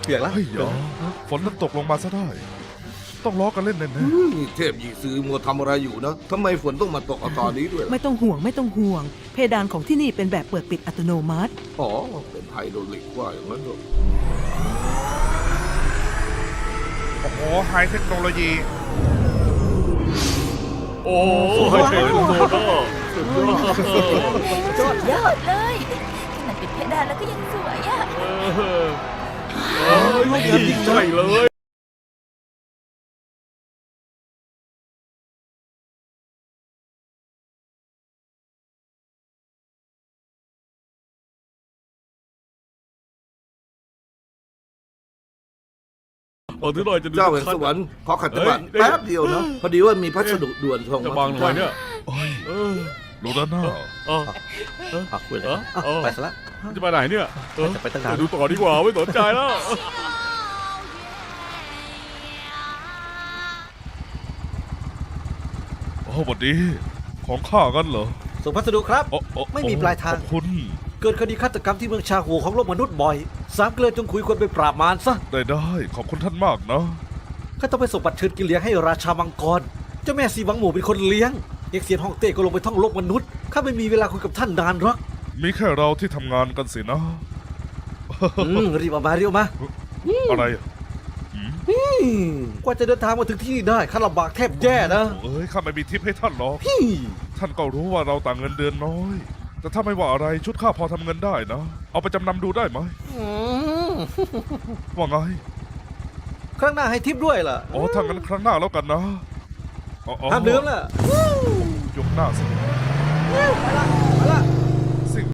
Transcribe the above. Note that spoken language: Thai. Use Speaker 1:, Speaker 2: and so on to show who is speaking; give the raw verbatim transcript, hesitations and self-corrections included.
Speaker 1: เปียกแล้ว
Speaker 2: เฮ้ยเหรอฝนมันตกลงมาซะได้ ต้องล้อกันเล่นแน่
Speaker 3: นี่เทพยีซื้อมัวทำอะไรอยู่นะทำไมฝนต้องมาตกเอาตอนนี้ด้วยล่ะ
Speaker 4: ไม่ต้องห่วงไม่ต้องห่วง เพดานของที่นี่เป็นแบบเปิดปิดอัตโนมัติ
Speaker 3: อ๋อเป็นไฮโดรลิกว่าอย่างนั้นเหรอ
Speaker 2: ๆโอ้โหไฮเทคโนโลยี
Speaker 5: โอ้โหเจ๋งโดดอ่ะ
Speaker 6: สุดยอดเลยขนาดปิดเพดานแล้วก็ยังสวยอ่ะ
Speaker 5: เออลูกเงินยิ่งใหญ่เลยเอาที่หน่อยจะดู
Speaker 3: เจ้าแห่งสวรรค์ขอขัดจังหวะแป๊บเดียวนะพอดีว่ามีพัสดุด่วนส่ง
Speaker 5: จะ
Speaker 3: มา
Speaker 5: บังหน่อยเนี่ย
Speaker 2: โอ้ย
Speaker 5: เออ
Speaker 2: ดูด้านหน้า
Speaker 5: เออ
Speaker 1: อ่ะคุยเลย
Speaker 5: เออ
Speaker 1: อ่ะ
Speaker 5: เออ
Speaker 1: ไปซะละ
Speaker 5: จะไปไหนเนี่ยเออ
Speaker 1: จะไปตั้งนาน
Speaker 5: ดูต่อดีกว่าไม่สนใจแล้ว
Speaker 2: โอ้สวัสดี ของข้ากันเหรอ
Speaker 1: ส่งพัสดุครับ
Speaker 2: โอ้โอ้
Speaker 1: ไม่มีปลายทาง
Speaker 2: ขอบคุณ
Speaker 1: เกิดคดีฆาตกรรมที่เมืองชาโหของโลกมนุษย์บ่อย สามเกลือจงคุยควรไปปราบมารซะ
Speaker 2: ได้ได้ขอบคุณท่านมากนะ
Speaker 1: ข้าต้องไปส่งบัตรเชิญกินเลี้ยงให้ราชามังกร เจ้าแม่ซีวังหมู่เป็นคนเลี้ยง เอกเซียนฮ่องเต้ก็ลงไปท่องโลกมนุษย์ ข้าไม่มีเวลาคุยกับท่านนานหรอก
Speaker 2: มีแค่เราที่ทำงานกันสินะ
Speaker 1: อืมรีบออกมารีบออกมา
Speaker 2: อะไรอ่ะ
Speaker 1: อืมกว่าจะเดินทางมาถึงที่นี่ได้ข้าลำบากแทบแย่นะ
Speaker 2: เอ้ยข้าไม่มีทิปให้ท่านหรอก
Speaker 1: พี่
Speaker 2: ท่านก็รู้ว่าเราต่างเงินเดือนน้อย แต่ถ้าไม่ว่าอะไรชุดข้าพอทำเงินได้นะ เอาไปจำนำดูได้ไหม
Speaker 1: อืม
Speaker 2: ว่าไง
Speaker 1: ครั้งหน้าให้ทิปด้วยล่ะ
Speaker 2: อ๋อถ้างั้นครั้งหน้าแล้วกันนะอ๋ออ๋อ
Speaker 1: ห้ามลืมล่ะ
Speaker 2: ยกหน้าสิ
Speaker 1: ไปละ